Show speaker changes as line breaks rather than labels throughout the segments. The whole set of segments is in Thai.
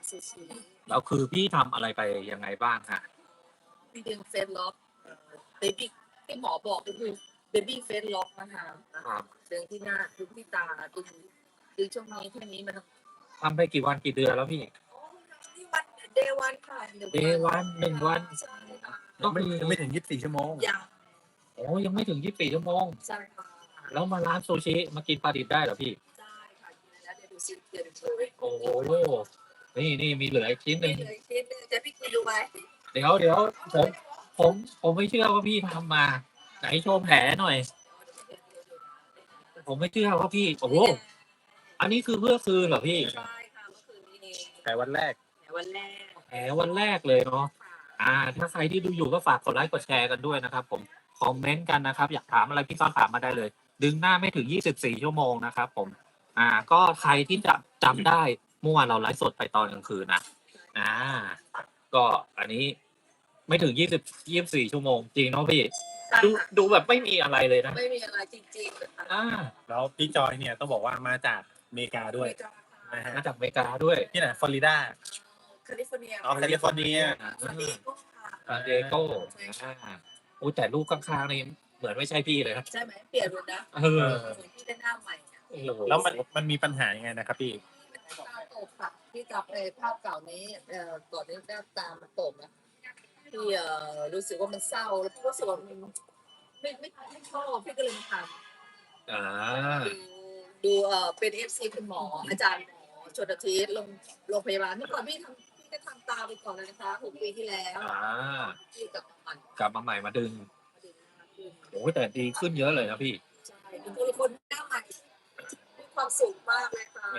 ซูชิ
แล้วคือพี่ทำอะไรไปยังไงบ้างฮะ
ที่ดึงเฟซล็อกเบบี้ที่หมอบอกก็คือเบบี้เฟซล็อกนะคะ
ครับ
ดึงที่หน้าดึงที่ตาดึงช่วงนี้แค่นี้มัน
ทำไปกี่วันกี่เดือนแล้วพี่
ที่วันเดย์วันค่ะ
Day 1 1 วัน
ใช่ค่ะ
ก็คือ
ไม่ถึง24 ชั่วโมง
ยัง
โอ้ยังไม่ถึง24 ชั่วโมง
ใช่ค่ะ
แล้วมาร้านซูชิมากินปลาดิบได้เหรอพี่
ได้ค่ะกินแล้วเดี๋ยวดูซิเดี๋ยวดูเลย
โอ้โหนี่มีเหลืออีกชิ้นหนึ่ง
นี่เลยคิดเลยจะพี่กินดูไหม
เดี๋ยวผมไม่เชื่อว่าพี่ทำมา ไหนโชว์แผลหน่อย ผมไม่เชื่อว่าพี่ โอ้โห อันนี้คือเพื่อคืนเหรอพี่
ใช่ค่ะเมื่อคืนนี้เอง
แต่วันแรก
แต่วันแรก
แผลวันแรกเลยเนาะ ถ้าใครที่ดูอยู่ก็ฝากกดไลค์กดแชร์กันด้วยนะครับผม คอมเมนต์กันนะครับ อยากถามอะไรพี่ก็ถามมาได้เลย ดึงหน้าไม่ถึง24 ชั่วโมงนะครับผม ก็ใครที่จะจำได้เมื่อวานเราไลฟ์สดไปตอนกลางคืนนะ ก็อันนี้ไม่ถึง24 ชั่วโมงจริงเนาะพี่ ดูแบบไม่มีอะไรเลยนะ
ไม่มีอะไรจริงๆเลยค่ะ
แล้วพี่จอยเนี่ยต้องบอกว่ามาจากอเมริกาด้วยนะฮะ
มาจากอเมริกาด้วย
ที่ไหนฟลอริดา
แคลิฟอร์เนีย
อ๋อแคลิฟอร์เนีย
ซานดิเอโก้ค่ะ
ซานดิเอโก้โอ้แต่รูปข้างๆนี่เหมือนไม่ใช่พี่เลยนะ
ใช่ไหมเปลี่ยนเลยนะ
เออ
เหมือนที่ได้หน้าใหม่อะ
โอ้โห
แล้วมันมีปัญหายังไงนะครับพี่
ตาตกค่ะที่จับภาพเก่านี้ก่อนนี้หน้าตามันตกนะที่รู้สึกว่ามันเศร้าแล้วพี่รู้สึกว่ามันไม่ชอบพี่ก็เลยมาท
อ่า
ำดูเป็นFC คุณหมออาจารย์หมอชนทิศโรงพยาบาลเมื่อก่อนพี่ก็ทำตาไปก่อนเลยนะคะ6 ปีที่แล้ว ที่กลับมาใหม่
กลับมาใหม่มาดึง
มาดึงหน้าขึ้น
โอ้แต่ดีขึ้นเยอะเลยนะพี่
ใช่เป็นคนหน้าใหม่มีความสุขมากเลยค่ะ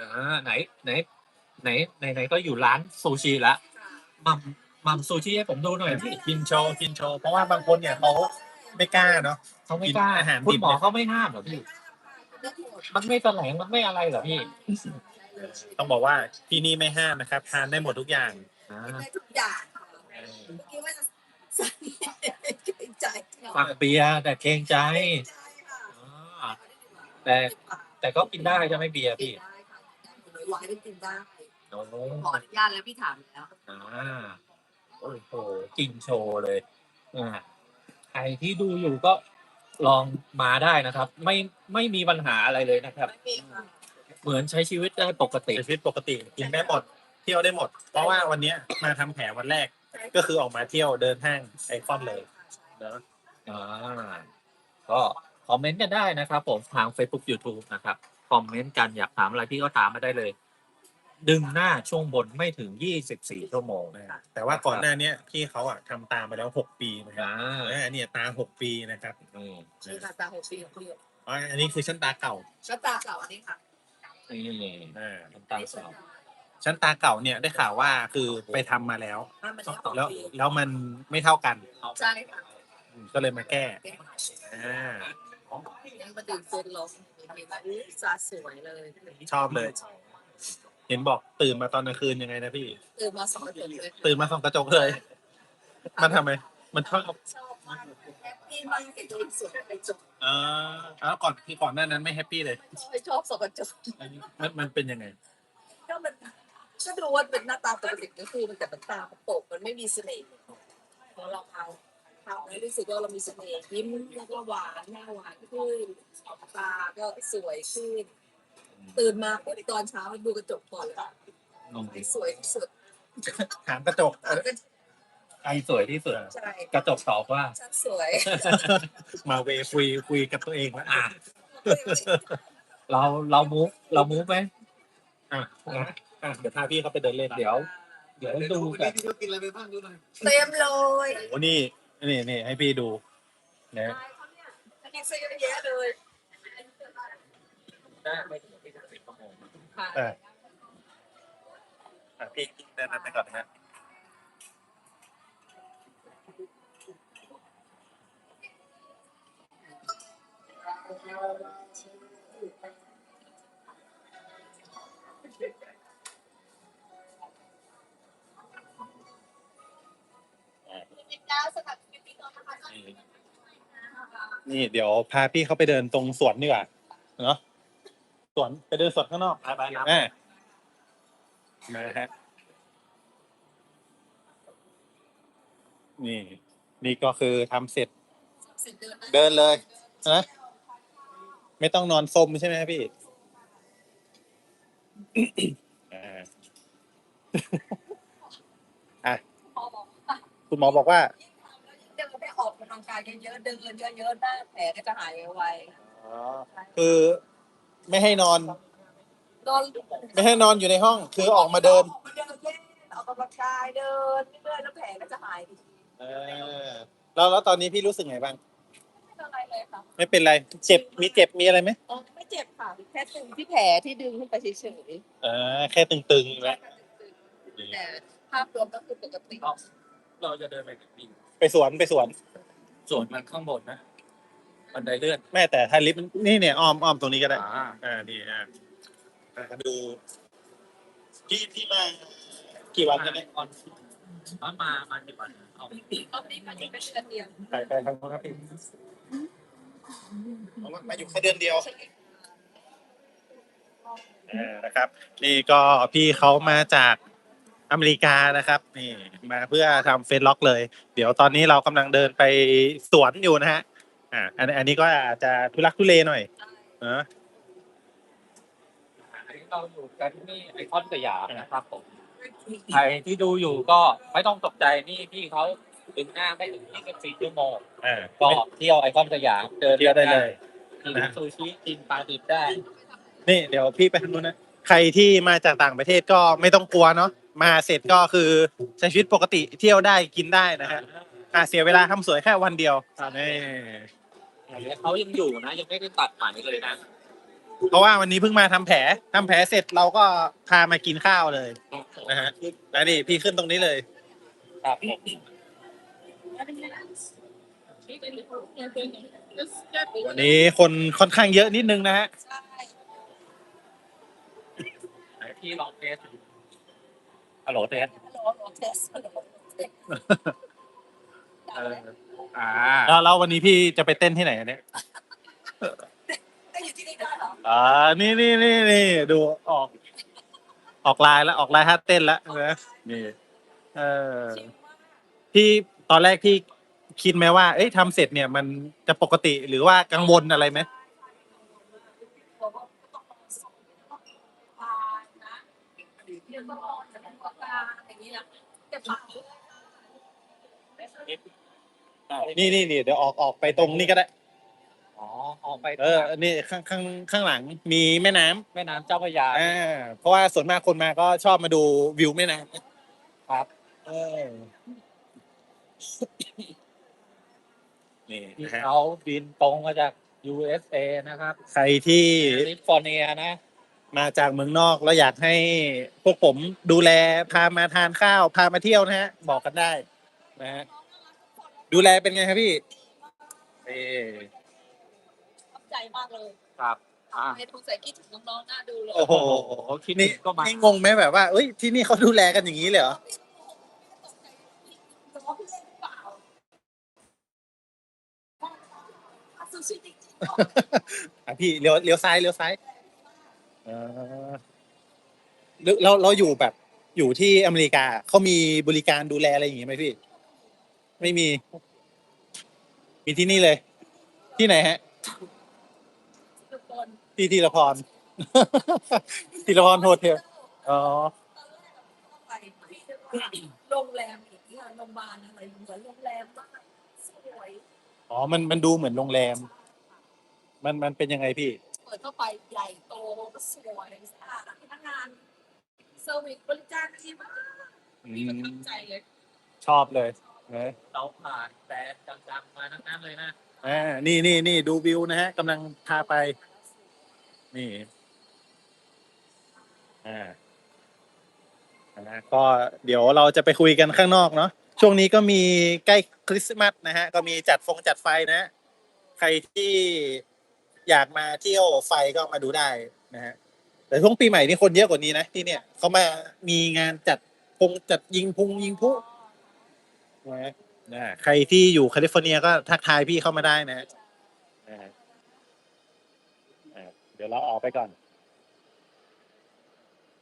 ไหนก็อยู่ร้านซูชิละ
ค่ะ
มัมซูชิให้ผมดูหน่อยพี่
กินโชว์เพราะว่าบางคนเนี่ยเขาไม่กล้าเนาะ
เขาไม่กล้า
กินอาหารดิบ
คุณหมอเขาไม่ห้ามเหรอพี่
ได้หมด
มันไม่แสลงมันไม่อะไรเหรอพี่
ต้องบอกว่าที่นี่ไม่ห้ามนะครับทานได้หมดทุกอย่าง
ได้ทุกอย่างค่ะเมื่อกี้ว่าจะใส่เกรงใจ
สั่งเบียร์แต่เกรงใจ
ใจค่ะ
อ่าแต่ก็กินได้ใช่ไหมเบียร์
กิ
พี่
นได้ค่ะหวานก็กินได้
โอ้โห
ขออนุญาตแล้วพี่ถามแล้ว
โอ้โหกินโชว์เลยใครที่ดูอยู่ก็ลองมาได้นะครับ ไม่มีปัญหาอะไรเลยนะครับ
ไม่มีค่ะ
เหมือนใช้ชีวิตได้ปกติ
ชีวิตปกติกินได้หมดเที่ยวได้หมด เพราะว่าวันเนี้ยมาทำแผลวันแรกก็คือออกมาเที่ยวเดินห้างไอคอนเลยเนาะ
ก็คอมเมนต์กันได้นะครับผมทาง Facebook YouTube นะครับคอมเมนต์กันอยากถามอะไรพี่ก็ถามมาได้เลย ดึงหน้าช่วงบนไม่ถึง24 ชั่วโมง
แต่ว่าก่อนหน้าเนี้ยพี่เขาอะทำตามไปแล้ว6 ปีนะครับ เนี่ยตา6 ปีนะครับ
นี่ค่ะตา6 ปีของพี่
อันนี้คือชั้นตาเก่า
ก็ตาเก่าอันนี้ค่ะ
นี่
อ่า
ตามสาว
ชั้นตาเก่าเนี่ยได้ข่าวว่าคือไปทำมาแล้ว
ถ้ามันได้6
แล้ว
ปี
แล้วมันไม่เท่ากัน
ใช่ค่ะ
ก็เลยมาแก้
แก้
อ่า
ยังมาดึงเส้นลงมีแบบสาสวยเลย
ชอบเลย เห็นบอกตื่นมาตอนกลางคืนยังไงนะพี่
ตื่นมา2 เดือนเลย
ตื่นมาส่องกระจกเลย มันทำไม มันชอบ
ชอบมากแฮปปี้มากเห็นตัวเองสวยในจบ
แล้วก่อนหน้านั้นไม่แฮปปี้เลย
ไม่ชอบสกจก
มันเป็นยังไง
ก็มันก็ดูว่าเป็นหน้าตาปกติก็คือมันแต่มันตาโปกมันไม่มีเสน่ห์พอเราเอาแล้วรู้สึกว่าเรามีเสน่ห์ยิ้มแล้วก็หวานหน้าหวานขึ้นตาก็สวยขึ้นตื่นมาปุ๊บตอนเช้าดูกระจกก่อนเลยสวยที่สุด
ถามกระจก
ใครสวยที่สุด
ใช่
กระจกตอบว่า
ฉันสวย
มาเวคุยกับตัวเองแล้ว
เรามูฟไหม
เดี๋ยวพาพี่เขาไปเดินเล่น
เดี๋ยวดูกัน
กินอะไรไปบ้างดูหน่อย
เต็มเลย
โอ้นี่ให้พี่ดูนะ
กินซะเยอะแยะเลย
ได้ไม่ถึง24 ชั่วโมง
ค่ะ
พี่เดินไปก่อนนะฮะนี่เดี๋ยวพาพี่เขาไปเดินตรงสวนดีกว่าเนาะสวนไปเดินสวนข้างนอก
ไปครับ
นะฮะนี่ นี่ก็คือทำเสร็จ
เสร็จเดิน
เดินเลยนะไม่ต้องนอนซมใช่ไหมพี่อ่าอ่ะ
พอบอกว่า
คุณหมอบอกว่า
ยิ่งทำแล้วยิ่งเดินได้ออกกำลังกายเยอะๆเดินเยอะๆหน้าแผลก็จะหายไว
อ๋อ คือไม่ให้นอน
ๆนอน
ไม่ให้นอนอยู่ในห้อง คือออกมาเดิน
ออกมาเดินเล่นออกกำลังกายเดินเรื่อยๆแล้วแผลก็จะหายดี
เออแล้วตอนนี้พี่รู้สึกไงบ้าง
ไม่เป็นไรเลยค่ะ
ไม่เป็นไร เจ็บ มีเจ็บ มีอะไรไหม
อ๋อไม่เจ็บค่ะแค่ตึงที่แผลที่ดึงขึ้นไปเฉย
แค่ตึงๆ
ๆ
แล้ว
แต่ภาพรวมก็คือปกติ
เราจะเดินไปถึงปี
ไปสวน
ส่วนมันข้างบนนะบันไดเลื่อน
แม่แต่ถ้าลิฟต์นี่เนี่ยอ้อมตรงนี้ก็ได้ นี่ดูพี่มากี่วันกันเนี่ย
ตอนมากี่วันเอา
รอบนี้มันจะเป็นเดือนเดียว
ไปทางโน้นครับพี่มาอยู่แค่เดือนเดียวนะครับ นี่ก็พี่เขามาจากอเมริกานะครับนี่มาเพื่อทำเฟซล็อกเลย เดี๋ยวตอนนี้เรากำลังเดินไปสวนอยู่นะฮะอันนี้ก็อาจจะทุลักทุเลหน่อยเนอะ
อันนี้เราอยู่กันที่ไอคอนสยามนะครับผมใครที่ดูอยู่ก็ไม่ต้องตกใจนี่พี่เขาดึงหน้าไม่ถึง24 ชั่วโมง ก็เที่ยวไอคอนสยามเดิน
เที่ยวได้เลย
กินซูชิกินปลาดิบได้
นี่เดี๋ยวพี่ไปทางนู้นนะใครที่มาจากต่างประเทศก็ไม่ต้องกลัวเนาะมาเสร็จก็คือใช้ชีวิตปกติเที่ยวได้กินได้นะฮะเสียเวลาทำสวยแค่วันเดียวนี่
เขายังอยู่นะ ยังไม่ได้ตัดใหม่เลยนะ
เพราะว่าวันนี้เพิ่งมาทำแผลเสร็จเราก็พามากินข้าวเลยนะฮะแล้วนี่พี่ขึ้นตรงนี้เลย
ครับผม
วันนี้คนค่อนข้างเยอะนิดนึงนะฮะ
ใช่
ไหนพี่ลองเทสฮัลโหลเทส
ฮัลโหลเทสฮัลโหลเทส
แล้ววันนี้พี่จะไปเต้นที่ไหนเนี่ย
ได้อยู่ที่นี่ได้เหรอ
นี่ดูออกลายแล้วออกลายท่าเต้นแล้วนะนี่เออ
ชิลมาก
พี่ตอนแรกพี่คิดไหมว่า เอ้ยทำเสร็จเนี่ยมันจะปกติหรือว่ากังวลอะไรไหม
บอกว่าต้องรอส่งผ่านนะเดี๋ยวต้องรอจะต้องประกาศอย่างนี้นะแต่เปล่า
นี่เดี๋ยวออกไปตรงนี้ก็ได้
อ๋อออกไป
นี่ข้างหลังมีแม่น้ำ
แม่น้ำเจ้าพระยา
เพราะว่าส่วนมากคนมาก็ชอบมาดูวิวแม่น้ำ
ครับ
นี่
ที่
นะฮะ
เขาบินตรงมาจาก USA นะครับ
ใครที่
แคลิฟอร์เนียนะ
มาจากเมืองนอกแล้วอยากให้พวกผมดูแลพามาทานข้าวพามาเที่ยวนะฮะ บอกกันได้นะฮะดูแลเป็นไงครับพี่เอ
ขอบใจมากเลย
ครับ
ให้ทุกใส่คิดถึงน้องๆน่าดูเลย
โอ้โห
คิด
นี่
ก็มา
นี่งงไหมแบบว่าเอ้ยที่นี่เขาดูแลกันอย่างนี้เลยเหรอ
จะว่าพี่เล่นหรือเปล่าซูชิจริงๆ
พี่เลี้ยวซ้ายเออเราอยู่แบบอยู่ที่อเมริกาเขามีบริการดูแลอะไรอย่างงี้ไหมพี่ ไม่มี มีที่นี่เลย ที่ไหนฮะ
ทุกคน
ที่ธีรพร ธีรพรโฮเทลอ๋อ
ไปโรงแรมอย่างเงี้ยโรงพยาบาลอะไรเหมือนโรงแรมมากสวย
อ๋อมันดูเหมือนโรงแรม มันเป็นยังไงพี่
เปิดเข้าไปใหญ่โตสวยสะอาดพนักงานเซอร์วิสบริการดีมากมีประทับใจเลย
ชอบเลยนะ
เราผ่านแต่จังๆมาทั้งนั้นเลยนะ
นี่ดูวิวนะฮะกำลังพาไป นี่ก็เดี๋ยวเราจะไปคุยกันข้างนอกเนาะช่วงนี้ก็มีใกล้คริสต์มาสนะฮะก็มีจัดไฟนะฮะใครที่อยากมาเที่ยวไฟก็มาดูได้นะฮะแต่ช่วงปีใหม่นี่คนเยอะกว่านี้นะที่เนี่ยเขามามีงานจัดยิงพลุนะใครที่อยู่แคลิฟอร์เนียก็ทักทายพี่เข้ามาได้นะฮะเดี๋ยวเราออกไปก่อน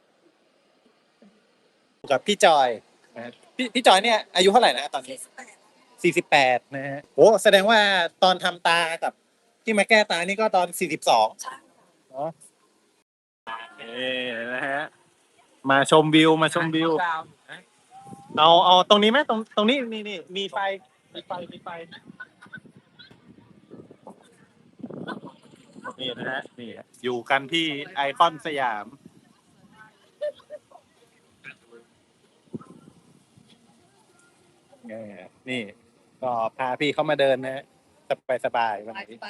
กับพี่จอยนะพี่จอยเนี่ยอายุเท่าไหร่นะตอนนี้ 48นะฮะโอ้แสดงว่าตอนทำตากับที่มาแก้ตานี่ก็ตอน42
ใช่
เนาะนะฮะมาชมวิวมาชมวิว เอาตรงนี้ไหมตรงนี้นี่มีไฟมีไฟนี่นะฮะนี่อยู่กันที่ไอคอนสยามนี่ก็พาพี่เขามาเดินนะฮะสบายวันนี้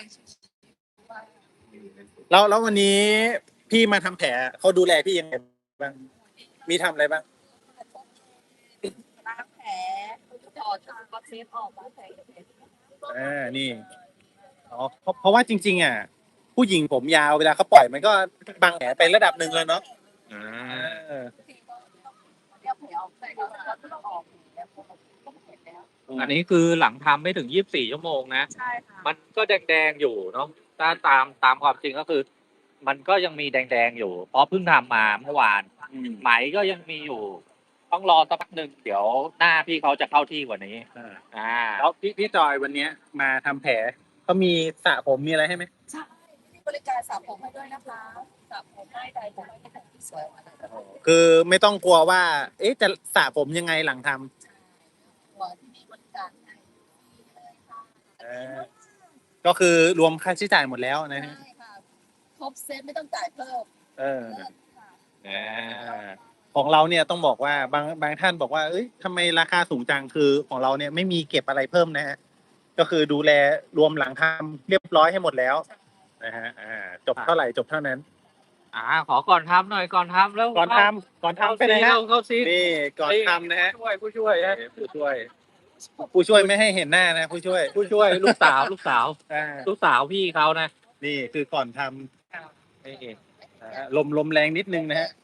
แล้ววันนี้พี่มาทำแผลเขาดูแลพี่ยังไงบ้างมีทำอะไรบ้าง
ล้างแผลถอดก็เซฟออกล้างแผล
นี่อ๋อเพราะว่าจริงๆอ่ะผู้หญิงผมยาวเวลาเขาปล่อยมันก็บังแผลไประดับหนึ่งเลยเนาะเออ
เรียกแผลออกแต่ก็ต้องออกแล้วก็เห็นแล้ว
อันนี้คือหลังทำไม่ถึง24 ชั่วโมงนะ
ใช่ค่ะ
มันก็แดงๆอยู่เนาะถ้าตามความจริงก็คือ มันก็ยังมีแดงๆอยู่ เพราะเพิ่งทำมาเมื่อวาน ไหมก็ยังมีอยู่ ต้องรอสักพักหนึ่งเดี๋ยวหน้าพี่เขาจะเข้าที่กว่านี้
แล้วพี่จอยวันเนี้ยมาทำแผลเขามีสระผมมีอะไรให้ไหม
ใช่มีบริการสระผมให้ด้วยนะคะสระผมได้ใดผมให้แต่งที่สวยมาเลย
คือไม่ต้องกลัวว่า เอ๊ะจะสระผมยังไงหลังทำ
ตัวที่มีบริการให้เลยค่ะ
ก็คือรวมค่าใช้จ่ายหมดแล้วนะฮะ
ใช่ค่ะครบเซตไม่ต้องจ่ายเพิ่ม
เออ
เลิศค่ะ
ของเราเนี่ยต้องบอกว่าบางท่านบอกว่าเอ้ยทำไมราคาสูงจังคือของเราเนี่ยไม่มีเก็บอะไรเพิ่มนะฮะก็คือดูแลรวมหลังทำเรียบร้อยให้หมดแล้วนะฮะจบเท่าไหร่จบเท่านั้น
ขอก่อนทำหน่อยก่อนทำแล้ว
ก่อนทำไปนะฮะ
เข้าซี
นี่ก่อนทำนะฮะ
ผู้ช่วยนะ
ผู้ช่วยไม่ให้เห็นหน้านะผู้ช่วย
ลูกสาว
อ่า
ลูกสาวพี่เขานะ
นี่คือก่อนท
นี่
ำลมแรงนิดนึงนะฮะ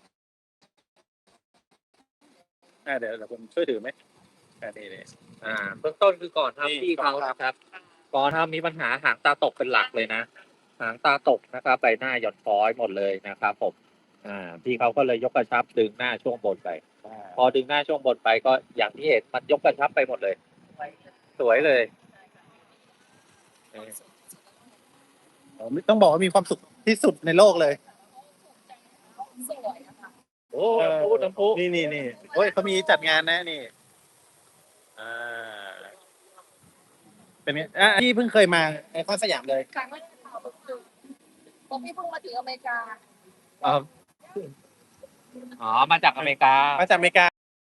เดี๋ยวผมช่วยถือไหมนี่
เบื้องต้นคือก่อน
นี่
ทำพี่เขา
ก่อนทำ
นะครับ ก่อนทำมีปัญหาหางตาตกเป็นหลักเลยนะหางตาตกนะครับใบหน้าหย่อนคล้อยหมดเลยนะครับผมพี่เขาก็เลยยกกระชับดึงหน้าช่วงบนไป พอดึงหน้าช่วงบนไปก็อย่างที่เห็นมันยกกระชับไปหมดเลย สวยเลย
ต้องบอกว่ามีความสุขที่สุดในโลกเลย
สวยนะคะ
โอ้น้ำพุ
นี่โอ้ยเขามีจัดงานนะนี่เป็นไงพี่เพิ่งเคยมาไอคอนสยามเลย
ครั้งแรกค่ะผมพี่เพิ่งมาถึงอเมริกา
มาจากอเมริกา
มาจากอเมริกา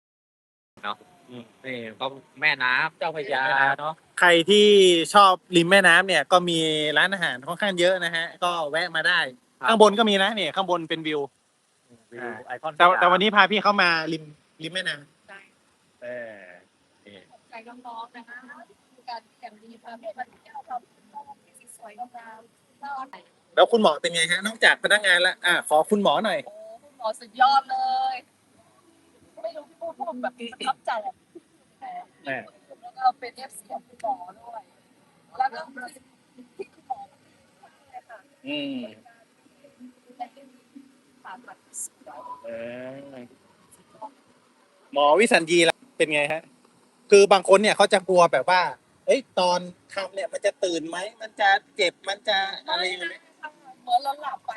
นี่ก็แม่น้ำเจ้าพระยาเนาะ
ใครที่ชอบริมแม่น้ำเนี่ยก็มีร้านอาหารค่อนข้างเยอะนะฮะก็แวะมาได้ ข้างบนก็มีนะเนี่ยข้างบนเป็นวิว
ไอคอน
แต่วันนี้พาพี่เขามาริมแม่น้ำ
ใช่
นี่
ใจน้องๆนะคะการแข่งดีพาไปเที่ยวทำที่สวยงามน่ารัก
แล้วคุณหมอเป็นไงฮะนอกจากพนักงานแล้วขอคุณหมอหน่อย
โอ้คุณหมอสุดยอดเลย ไม่รู้พูดแบบประทับใจแล้วก็เป็นเอฟซีของคุณหมอด้วยแล้วก็ที่คุณหมอเลยค่ะผ่าตัดสวย
หมอวิสัญญีล่ะเป็นไงฮะ คือบางคนเนี่ยเขาจะกลัวแบบว่า เอ้ยตอนทำเนี่ยมันจะตื่นไหมมันจะเจ็บมันจะอะไรอย่างเงี้ย
เหมือนเราหลับไป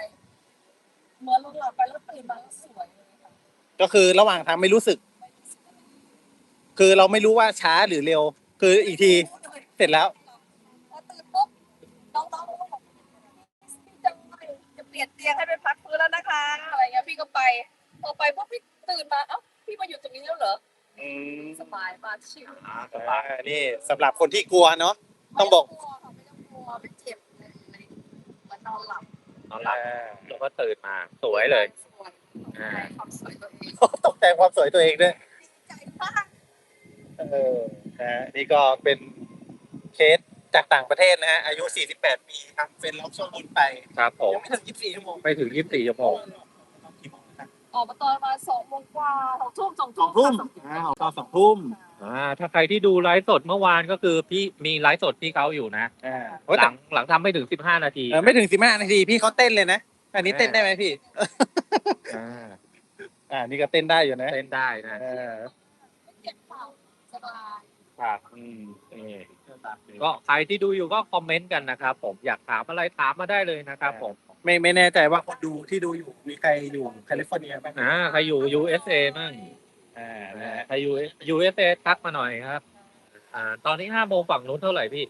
แล้วตื่นมาแล้วสวยเลยค่ะ
ก็คือระหว่างทำไม่รู้สึก คือเราไม่รู้ว่าช้าหรือเร็ว คืออีกทีเสร็จแล้ว
พอตื่นปุ๊บน้องๆก็บอกพี่จะเปลี่ยนเตียงให้เป็นพักฟื้นแล้วนะคะอะไรเงี้ยพี่ก็ไปพอไปปุ๊บพี่ตื่นมาเอ้าพี่มาอยู่ตรงนี้แล้วเหรอสบายมากชิล
นี่สำหรับคนที่กลัวเนาะ ต้องบอก
ไม่ต้องกลัวไม่เจ็บเลยเหมือนนอนหลับ
แล้วก็ตื่นมาสวยเลย
สวยความสวยตัวเอง
ตกแต่งความสวยตัวเองด้วย
ใจมาก
นี่ก็เป็นเคสจากต่างประเทศนะฮะ อายุ 48 ปีทำเป็นล็อกช่วงบนไป
ครับผม
ยังไม่ถึง 24 ชั่วโมง
ไปถึง 24 ชั่วโมง
ออกมาตอนมา2 โมงกว่า2 ทุ่ม
2 ทุ่มตอน2 ทุ่ม
ถ้าใครที่ดูไลฟ์สดเมื่อวานก็คือพี่มีไลฟ์สดพี่เขาอยู่นะ หลังทำไม่ถึง15 นาที
ไม่ถึง 15 นาทีพี่เขาเต้นเลยนะ อันนี้เต้นได้ไหมพี่ นี่ก็เต้นได้อยู่นะ
เต้นได้นะ
ไม่เจ็บเข่าสบาย
ครับก็ใครที่ดูอยู่ก็คอมเมนต์กันนะครับผมอยากถามอะไรถามมาได้เลยนะครับผม
ไม่แน่ใจว่าคนดูที่ดูอยู่มีใครอยู่แคลิฟอร์เนียบ้าง
ใครอยู่ USA มั่ง
นะฮะ
ใครอยู่ USA ทักมาหน่อยครับตอนนี้5 โมงฝั่งนู้นเท่าไหร่พี่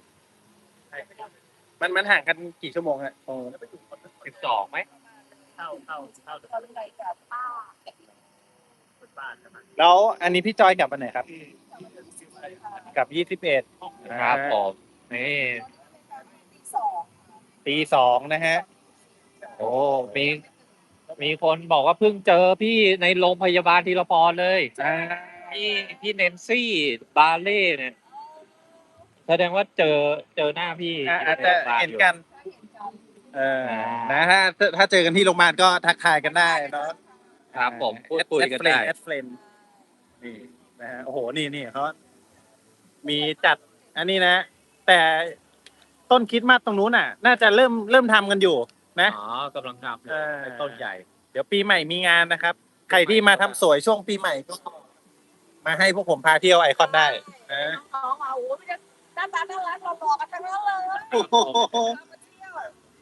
มันห่างกันกี่ชั่วโมงฮะ
12ไหม
แล้วอันนี้พี่จอยกลับวันไหนครับกลับ21
ครับผมนี่
ตี 2นะฮะ
โอ้มีคนบอกว่าเพิ่งเจอพี่ในโรงพยาบาลทีละพรเลยพี่เนนซี่บาเล่เนี่ยแสดงว่าเจอหน้าพี่
อาจจะเห็นกันนะถ้าเจอกันที่โรงพยาบาลก็ทักทายกันได้เนาะ
ครับผมพูดคุยกันได้
แอดเฟรนนี่นะฮะโอ้โหนี่เขามีจัดอันนี้นะ แต่ต้นคริสต์มาสตรงนู้นน่ะ น่าจะเริ่มทำกันอยู่นะ
กำลังทำอยู่
เป็นต้นใหญ่ เดี๋ยวปีใหม่มีงานนะครับ ใครที่มาทำสวยช่วงปีใหม่ก็มาให้พวกผมพาเที่ยวไอคอนได้นะ
น้องเอาไม่ได้หน้าตาน่ารักเราบอกกันทั้งนั้นเลย
โอ้โห
มาเที่ยว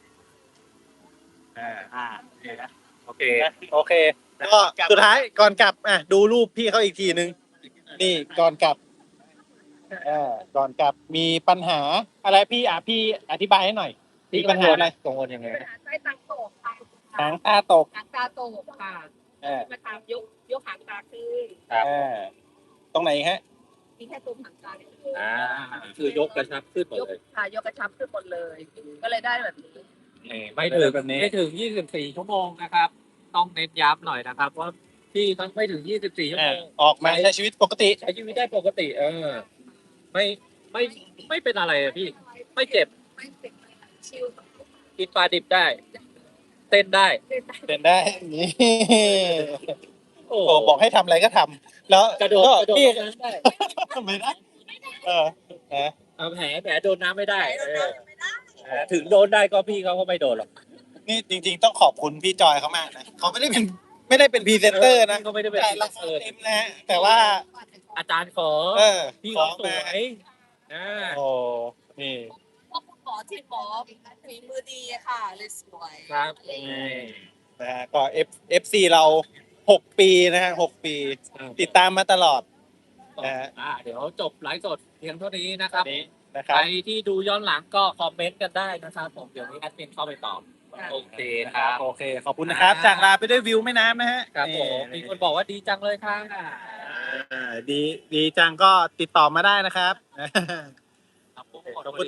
โอเค
โอเคก็สุดท้ายก่อนกลับดูรูปพี่เขาอีกทีนึง นี่ก่อนกลับก่อนกลับมีปัญหาอะไรพี่อธิบายให้หน่อย มีปัญหาอะไร
กังวลยังไง
ใช้ตังโตกค่ะ
หางตาตก
หางตาโตกค่ะมาทำยกหางตาขึ้น
ครับ
ตรงไหนฮะ
มีแค่ตัวหางตาขึ้น
คือยกกระชับขึ้นหมด
ยก
เลย
ค่ะยกกระชับขึ้นหมดเลย ก็เลยได้แบบนี้
ไม่ถึง24 ชั่วโมงนะครับ ต้องเน้นย้ำหน่อยนะครับว่าพี่ต้องไม่ถึง24 ชั่วโมง
ออกมาใช้ชีวิตปกติ
ใช้ชีวิตได้ปกติ ไม่เป็นอะไรอะพี่ ไม่เจ็บ
ไม่เป็นชิล
กินปลาดิบได้ เต้นได้
เป็นได้นี่
โอ้
โอ้บอกให้ทำอะไรก็ทำแล้ว
กระโดด
พี่
น้ำได้
ไม่ได้นะ
แผลโดนน้ำไม่ได้
ไม่ได้
ถึงโดนได้ก็พี่เขาก็ไม่โดนหรอก
นี่จริงๆต้องขอบคุณพี่จอยเขามากนะเขาไม่ได้เป็นพรีเซนเตอร์นะ
เขาไม่ได้เป็น
แต่ราคาเต็มนะฮะแต่ว่า
อาจารย์ขอ พี่
ข
เขา
อ
ส
มา
วยนะ
โอ้นี่
พวกคุณหมอที่หมอฝีมือดีค่ะเลยสวย
ครับ
นะฮะก็ FC เรา6 ปีนะฮะ6 ปี ติดตามมาตลอด
เดี๋ยวจบไลฟ์สดเพียงเท่านี้นะครับ
นี้นะค
ใค
รั
ร
บ
ที่ดูย้อนหลังก็คอมเมนต์กันได้นะครับผมเดี๋ยวนี้แอดมินเข้าไปตอบโอเคครับ
โอเคขอบคุณนะครับ จากลาไปด้วยวิวแม่น้ำนะฮะ
ครับผมมี
นี่
คนบอกว่าดีจังเลยค่ะ
ดีจังก็ติดต่อมาได้นะครับ
ครับผม
ขอบคุณ